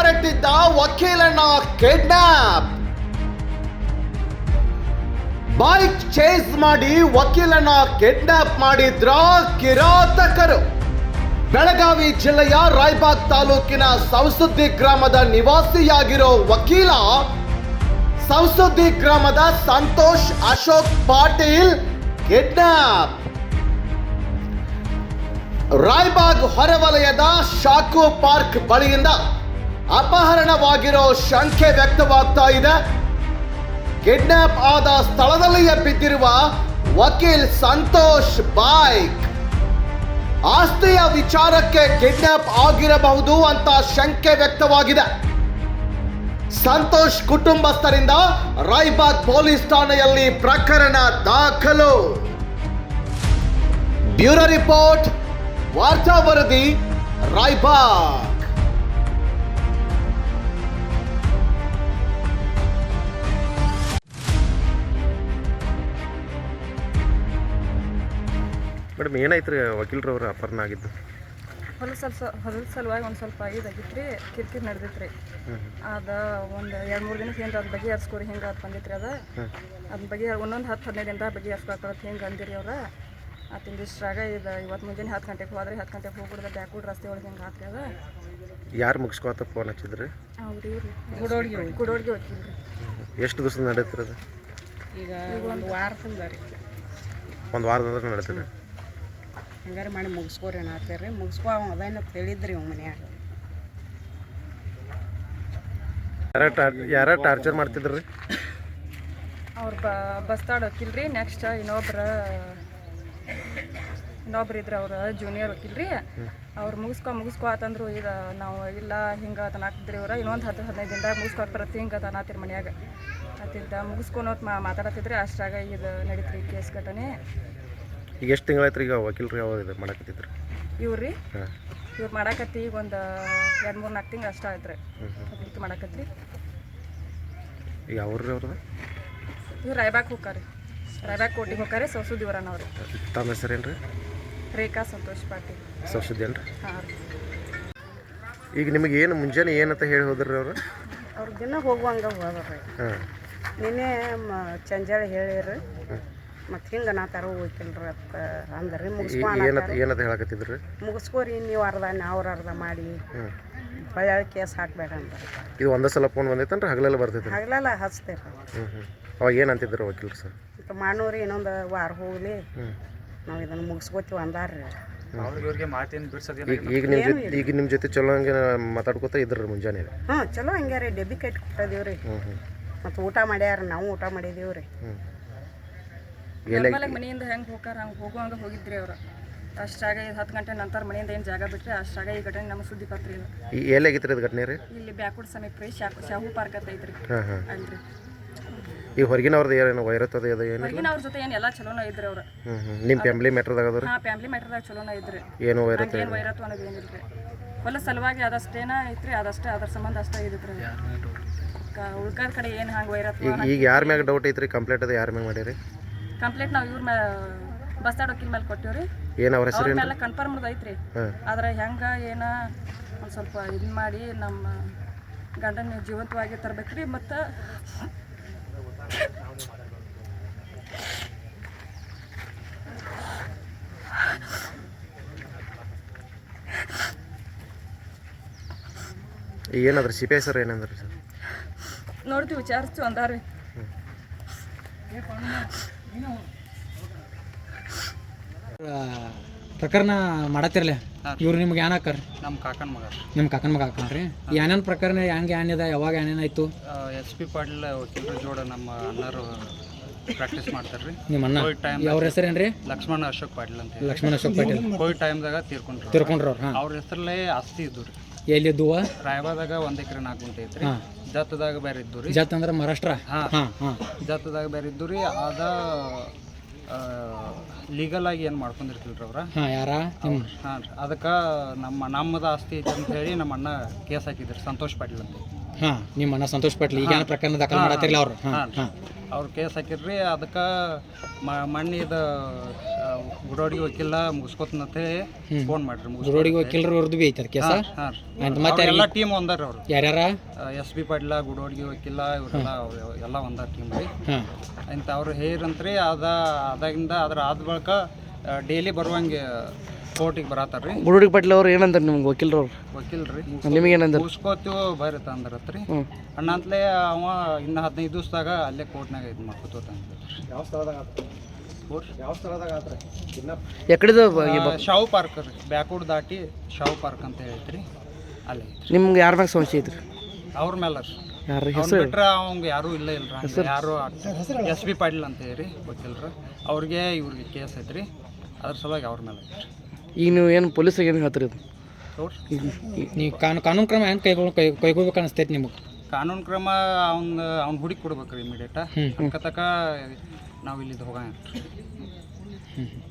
ಹೊರಟಿದ್ದ ವಕೀಲನ kidnap. Bike chase ಮಾಡಿ ವಕೀಲನ kidnap ಮಾಡಿದ್ರ ಕಿರಾತಕರು. ಬೆಳಗಾವಿ ಜಿಲ್ಲೆಯ ರಾಯಬಾಗ್ ತಾಲೂಕಿನ ಸವಸುದ್ದಿ ಗ್ರಾಮದ ನಿವಾಸಿಯಾಗಿರೋ ವಕೀಲ ಸವಸುದ್ದಿ ಗ್ರಾಮದ ಸಂತೋಷ್ ಅಶೋಕ್ ಪಾಟೀಲ್ ಕಿಡ್ನಾಪ್. ರಾಯಬಾಗ್ ಹೊರವಲಯದ ಶಾಕು ಪಾರ್ಕ್ ಬಳಿಯಿಂದ ಅಪಹರಣವಾಗಿರೋ ಶಂಕೆ ವ್ಯಕ್ತವಾಗ್ತಾ ಇದೆ. ಕಿಡ್ನಾಪ್ ಆದ ಸ್ಥಳದಲ್ಲಿಯೇ ಬಿದ್ದಿರುವ ವಕೀಲ್ ಸಂತೋಷ್ ಬೈಕ್. ಆಸ್ತಿಯ ವಿಚಾರಕ್ಕೆ ಕಿಡ್ನಾಪ್ ಆಗಿರಬಹುದು ಅಂತ ಶಂಕೆ ವ್ಯಕ್ತವಾಗಿದೆ. ಸಂತೋಷ್ ಕುಟುಂಬಸ್ಥರಿಂದ ರಾಯಬಾಗ್ ಪೊಲೀಸ್ ಠಾಣೆಯಲ್ಲಿ ಪ್ರಕರಣ ದಾಖಲು. ಬ್ಯೂರೋ ರಿಪೋರ್ಟ್, ವಾರ್ತಾ ವರದಿ, ರಾಯಬಾಗ್. ಮೇಡಮ್ ಏನಾಯ್ತು ರೀ ವಕೀಲರವ್ರ ಅಪಹರಣ ಆಗಿದ್ದು? ಹೊಲದ ಸಲುವಾಗಿ ಒಂದು ಸ್ವಲ್ಪ ಇದಾಗಿತ್ತು ರೀ, ಕಿರಿಕಿರಿ ನಡೆದಿತ್ತು ರೀ. ಅದು ಒಂದು 2-3 ದಿನಕ್ಕೆ ಏನು ಅದ್ರ ಬಗ್ಗೆ ಹರ್ಸ್ಕೋರಿ ಹಿಂಗೆ ಅದು ಬಂದಿತ್ತು ರೀ. ಅದ್ರ ಬಗ್ಗೆ ಒಂದೊಂದು 10-15 ದಿನದಾಗ ಬಗ್ಗೆ ಹರ್ಸ್ಕೊಳಕ್ಕೆ ಹಿಂಗೆ ಅಂದಿರಿ ಅವ್ರು. ಅತ್ತಿಂದ ಇಷ್ಟ್ರಾಗ ಇದು ಇವತ್ತು ಮುಂಜಾನೆ 10 ಗಂಟೆಗೆ ಹೋದ್ರೆ 10 ಗಂಟೆಗೆ ಹೋಗ್ಬಿಡ್ದೆ ಬ್ಯಾಕ್ವರ್ಡ್ ರಸ್ತೆ ಒಳಗೆ ಹಿಂಗೆ ಹಾಕ್ರಿ. ಅದು ಯಾರು ಮುಗಿಸ್ಕೊತ ಫೋನ್ ಹಚ್ಚಿದ್ರಿ? ಅವ್ರು ಗುಡೋಡ್ಗೆ ಹೋಗ್ತಿಲ್ರಿ. ಎಷ್ಟು ದಿವಸ ನಡೀತಿರೋದು? ಈಗ ಒಂದು ವಾರದಿಂದ ರೀ. ಒಂದು ವಾರದಿಂದ ನಡೀತದೆ. ಹಂಗಾರೆ ಮಾಡಿ ಮುಗಿಸ್ಕೋರಿ ಅನ್ನತ್ತೀರಿ ರೀ. ಮುಗಿಸ್ಕೊ ಅದೇನ ಹೇಳಿದ್ರಿ ಇವ್ ಮನ್ಯಾಗ. ಯಾರ ಟಾರ್ಚರ್ ಮಾಡ್ತಿದ್ರಿ? ಅವ್ರು ಬಸ್ತಾಡ್ ವಕೀಲ್ರಿ. ನೆಕ್ಸ್ಟ್ ಇನ್ನೊಬ್ರು ಇದ್ರೆ ಅವ್ರ ಜೂನಿಯರ್ ವಕೀಲ್ರಿ. ಅವ್ರು ಮುಗಿಸ್ಕೊ ಅಂತಂದ್ರು. ಇದು ನಾವು ಇಲ್ಲ ಹಿಂಗೆ ತನಾಕ್ತಿದ್ರಿ ಅವ್ರ. ಇನ್ನೊಂದು 10-15 ದಿನದಾಗ ಮುಗಿಸ್ಕೊಕ್ ಬರತ್ತೆ ಹಿಂಗೆ ತನಾತಿರಿ ಮನ್ಯಾಗ ಅತ್ತಿದ್ದ ಮುಗಿಸ್ಕೊನೋತ್ ಮಾತಾಡತ್ತಿದ್ರಿ. ಅಷ್ಟ್ರಾಗ ಇದು ನಡೀತ್ರಿ ಕೇಸ್ ಘಟನೆ. ಈಗ ಎಷ್ಟು ತಿಂಗಳಾಯ್ತು ಈಗ ವಕೀಲರು ಯಾವಾಗ ಇದು ಮಾಡಕತ್ತಿದ್ರು? ಇವ್ರು ಮಾಡಾಕತ್ತಿ ಈಗ ಒಂದು 2-3-4 ತಿಂಗಳು ಅಷ್ಟ ಆಯ್ತು ರೀ ಮಾಡಾಕತ್ರಿ. ಈಗ ಅವ್ರಿ ಅವ್ರದ್ದು ಇವ್ರು ರಾಯಬಾಗ್ ಹೋಗ್ತಾರೆ. ರಾಯಬಾಗ್ ಕೋಟಿಗೆ ಹೋಗ್ತಾರೆ. ಸವಸುದ್ದಿವರನ ಅವ್ರು. ತಮ್ಮ ಹೆಸರೇನು ರೀ? ರೇಖಾ ಸಂತೋಷ್ ಪಾಟೀಲ್. ಸವಸುದ್ದಿ ಏನು ರೀ? ಹಾಂ ರೀ. ಈಗ ನಿಮಗೆ ಏನು ಮುಂಜಾನೆ ಏನಂತ ಹೇಳಿ ಹೋದ್ರಿ ಅವರು? ಅವ್ರ ದಿನ ಹೋಗುವಂಗೆ ಹೋದ್ರಿ. ನಿನ್ನೆ ಚಂಜಾಳಿ ಹೇಳಿರಿ. ಮತ್ತು ಹಿಂಗೆ ನಾ ತರ ಹೋಗ್ತಿಲ್ರಿ ಅಂತ ಅಂದ್ರಿ. ಏನಂತ ಹೇಳಕತ್ತಿದ್ರಿ? ಮುಗಿಸ್ಕೋರಿ ನೀವು ಅರ್ಧ ಅವ್ರು ಅರ್ಧ ಮಾಡಿ ಹೊಳ್ಳಿ ಕೇಸ್ ಹಾಕ್ಬೇಡ ಅಂದ್ರೆ. ಇದು ಒಂದೇ ಸಲ ಫೋನ್ ಬಂದೈತನ್ರಿ? ಹಗಲೆಲ್ಲ ಬರ್ತೈತೆ? ಹಗಲೆಲ್ಲ ಹಚ್ತೇವೆ. ಅವಾಗ ಏನು ಅಂತಿದ್ರು ವಕೀಲರು ಸರ್? ಮಾಡೋರಿ ಇನ್ನೊಂದು ವಾರ ಹೋಗ್ಲಿ ನಾವು ಇದನ್ನು ಮುಗಿಸ್ಕೋತೀವಿ ಅಂದಾರ್ರಿ. ಈಗ ನಿಮ್ಮ ಜೊತೆ ಚಲೋ ಹಂಗೆ ಮಾತಾಡ್ಕೋತಾ ಇದ್ರಿ ಮುಂಜಾನೆ? ಹಾಂ ಚಲೋ ಹಂಗೆ ರೀ. ಡೆಬ್ಬಿ ಕಟ್ಟಿ ಕೊಟ್ಟಿದ್ದೀವಿ ರೀ. ಮತ್ತು ಊಟ ಮಾಡ್ಯಾರ, ನಾವು ಊಟ ಮಾಡಿದೀವಿ ರೀ. ಮನೆಯಿಂದ ಹೆಂಗೆ ಹೋಗಾರ ಹಂಗೆ ಹೋಗುವಂಗೆ ಹೋಗಿದ್ರಿ ಅವ್ರು. ಅಷ್ಟಾಗ 10 ಗಂಟೆ ನಂತರ ಮನೆಯಿಂದ ಏನು ಜಾಗ ಬಿಟ್ಟರೆ ಅಷ್ಟಾಗ ಈ ಘಟನೆ ನಮ್ಮ ಸುದ್ದಿ ಪತ್ರ ಇಲ್ಲ. ಎಲ್ಲಾಗಿತ್ತು ಇದು ಘಟನೆ ರೀ? ಇಲ್ಲಿ ಬ್ಯಾಕ್ವರ್ಡ್ ಸಮೀಪ ರೀ ಶಾಹು ಪಾರ್ಕ್ ಅಂತ ಐತ್ರಿ ಅಲ್ರಿ. ಈ ಹೊರಗಿನವ್ರದ್ದು ಏನು ವೈರತ್ವದ ಏನು? ಹೊರಗಿನ ಅವ್ರ ಜೊತೆ ಏನು ಎಲ್ಲ ಚಲೋನ ಇದ್ರಿ ಅವ್ರು. ನಿಮ್ಮ ಫ್ಯಾಮಿಲಿ ಮ್ಯಾಟ್ರದಾಗ ಅದ? ಹಾಂ, ಫ್ಯಾಮಿಲಿ ಮ್ಯಾಟ್ರದಾಗ ಚಲೋನ ಇದ್ರಿ. ಏನು ವೈರತ್ವ? ಏನು ವೈರತ್ವ ಅನ್ನೋದು ಏನಿಲ್ರಿ. ಹೊಲ ಸಲುವಾಗಿ ಅದಷ್ಟೇನ ಐತ್ರಿ. ಅದಷ್ಟೇ ಅದ್ರ ಸಂಬಂಧ ಅಷ್ಟೇ ಇದ್ರಿ. ಉಳ್ಕಾದ ಕಡೆ ಏನು ಹಂಗೆ ವೈರತ್ವ. ಈಗ ಯಾರ ಮ್ಯಾಗ ಡೌಟ್ ಐತ್ರಿ? ಕಂಪ್ಲೇಂಟ್ ಅದು ಯಾರ ಮ್ಯಾಗ ಮಾಡಿರಿ? ಕಂಪ್ಲೇಂಟ್ ನಾವು ಇವ್ರ ಬಸ್ತಾಡ್ ವಕೀಲ್ ಮೇಲೆ ಕೊಟ್ಟಿವ್ರಿ. ಏನು ಅವ್ರ ಹೆಸರು? ಮೇಲೆ ಕನ್ಫರ್ಮ್ ಐತ್ರಿ. ಆದ್ರೆ ಹೆಂಗೆ ಏನ ಒಂದು ಸ್ವಲ್ಪ ಇದು ಮಾಡಿ ನಮ್ಮ ಗಂಡನ ಜೀವಂತವಾಗಿ ತರ್ಬೇಕ್ರಿ. ಮತ್ತು ಏನಾದ್ರಿ CPI ಸರ್ ಏನಂದ್ರಿ ಸರ್? ನೋಡ್ತೀವಿ, ವಿಚಾರಿಸ್ತೀವಿ ಅಂದಾರ್ರಿ. ಪ್ರಕರಣ ಮಾಡತ್ತಿರಲ್ಲ ಇವ್ರು ನಿಮ್ಗೆ ಏನ್ ಹಾಕಾರ? ನಮ್ಮ ಕಾಕನ ಮಗ. ನಿಮ್ಮ ಕಾಕನ ಮಗ ಹಾಕನ್ರಿ? ಏನೇನು ಪ್ರಕರಣ ಹೆಂಗೆ ಏನಿದೆ, ಯಾವಾಗ ಏನೇನಾಯ್ತು? SP ಪಾಟೀಲ್ ವಕೀಲರ ಜೋಡ ನಮ್ಮ ಅಣ್ಣರು ಪ್ರಾಕ್ಟೀಸ್ ಮಾಡ್ತಾರ್ರಿ. ನಿಮ್ಮ ಅಣ್ಣ ಅವ್ರ ಹೆಸರೇನ್ರಿ? ಲಕ್ಷ್ಮಣ ಅಶೋಕ್ ಪಾಟೀಲ್ ಅಂತ. ಲಕ್ಷ್ಮಣ ಅಶೋಕ್ ಪಾಟೀಲ್ ಕೋವಿಡ್ ಟೈಮ್ದಾಗ ತೀರ್ಕೊಂಡ್ರು ಅವ್ರು. ಅವ್ರ ಹೆಸರಲ್ಲೇ ಆಸ್ತಿ ಇದ್ದು ರೀ. ಎಲ್ಲಿದ್ದು? ರಾಯಬಾದಾಗ 1 ಎಕರೆ 4 ಗುಂಟೆ ಐತ್ರಿ. ಜತ್ತದಾಗ ಬೇರೆ ಇದ್ದು ರೀ. ಜತ್ ಅಂದ್ರೆ ಮಹಾರಾಷ್ಟ್ರ? ಜತ್ತದಾಗ ಬೇರೆ ಇದ್ದು ರೀ. ಅದ ಲೀಗಲ್ ಆಗಿ ಏನು ಮಾಡ್ಕೊಂಡಿರ್ತಿಲ್ರಿ ಅವ್ರ. ಯಾರ? ಹಾಂ, ಅದಕ್ಕೆ ನಮ್ಮದ ಆಸ್ತಿ ಐತೆ ಅಂತ ಹೇಳಿ ನಮ್ಮ ಅಣ್ಣ ಕೇಸ್ ಹಾಕಿದ್ರಿ, ಸಂತೋಷ್ ಪಾಟೀಲ್ ಅಂತ. ನಿಮ್ಮ ಅಣ್ಣ ಸಂತೋಷ್ ಪಾಟೀಲ್ ಈಗ ಪ್ರಕರಣ ದಾಖಲೆ ಮಾಡತ್ತಿರಲ್ಲ ಅವ್ರು? ಅವ್ರು ಕೇಸ್ ಹಾಕಿರ್ರಿ ಅದಕ್ಕೆ ಮಣ್ಣಿದ ಗುಡೋಡಿಗೆ ವಕೀಲ ಮುಗಿಸ್ಕೊತಂತ ಫೋನ್ ಮಾಡ್ರಿ ಗುರೋಡಿಗೆ ವಕೀಲರು ಅವ್ರದ್ದು ಭೀ ಐತದ ಕೇಸ ಹಾಂ ಅಂತ ಮತ್ತೆ ಎಲ್ಲ ಟೀಮ್ ಒಂದಾರ ಅವ್ರು ಯಾರ್ಯಾರ ಎಸ್ ಬಿ ಪಾಟೀಲ ಗುಡೋಡಿಗೆ ವಕೀಲ ಇವರೆಲ್ಲ ಎಲ್ಲ ಒಂದ ಟೀಮ್ ರೀ ಹಾಂ ಅಂತ ಅವ್ರು ಹೇರಂತ್ರಿ ಅದಾಗಿಂದ ಅದ್ರ ಆದ ಬಳಿಕ ಡೈಲಿ ಬರುವಂಗೆ ಕೋರ್ಟಿಗೆ ಬರತ್ತಾರ್ರಿ ಗುರುಡಿ ಪಾಟೀಲ್ ಅವ್ರು ಏನಂತಾರೆ ನಿಮ್ಗೆ ವಕೀಲರು ವಕೀಲ್ರಿ ನಿಮಗೆ ಏನಂದ್ರೆ ಮುಗಿಸ್ಕೋತೀವಿ ಬರ್ರಿ ತಂದ್ರತ್ರಿ ಅಣ್ಣ ಅಂತಲೇ ಅವ ಇನ್ನು 15 ದಿವಸದಾಗ ಅಲ್ಲೇ ಕೋರ್ಟ್ನಾಗ ಇದು ಮಾಡ್ಕೋತಂದ್ರಿ ಎಕಡೆದು ಶಾವು ಪಾರ್ಕ್ ರೀ ಬ್ಯಾಕ್ವರ್ಡ್ ದಾಟಿ ಶಾವು ಪಾರ್ಕ್ ಅಂತ ಹೇಳ್ತ್ರಿ ಅಲ್ಲಿ ಐತ್ರಿ ನಿಮ್ಗೆ ಯಾರ ಮ್ಯಾಗ ಸಮಸ್ಯೆ ಐತ್ರಿ ಅವ್ರ ಮೇಲೆ ರೀ ಯಾರ ಅವ್ನ ಹೆಸರು ಬಿಟ್ರೆ ಅವಂಗೆ ಯಾರೂ ಇಲ್ಲ ಯಾರು ಎಸ್ ಬಿ ಪಾಟೀಲ್ ಅಂತ ಹೇಳಿ ವಕೀಲರು ಅವ್ರಿಗೆ ಇವ್ರಿಗೆ ಕೇಸ್ ಐತ್ರಿ ಅದ್ರ ಸಲುವಾಗಿ ಅವ್ರ ಮೇಲೆ ಐತ್ರಿ ಈಗ ನೀವು ಏನು ಪೊಲೀಸರಿಗೆ ಏನು ಹೇಳ್ತೀರಿ ಇದು ನೋಡ್ರಿ ನೀವು ಕಾನೂನು ಕ್ರಮ ಹೆಂಗೆ ಕೈಗೊಳ್ಬೇಕು ಅನಿಸ್ತೈತಿ ನಿಮಗೆ ಕಾನೂನು ಕ್ರಮ ಅವ್ನ ಹುಡುಕಿ ಕೊಡ್ಬೇಕ್ರಿ ಇಮಿಡಿಯೇಟ ಅಕ್ಕ ತಕ ನಾವು ಇಲ್ಲಿದ್ದು ಹೋಗೋಣ ಹ್ಞೂ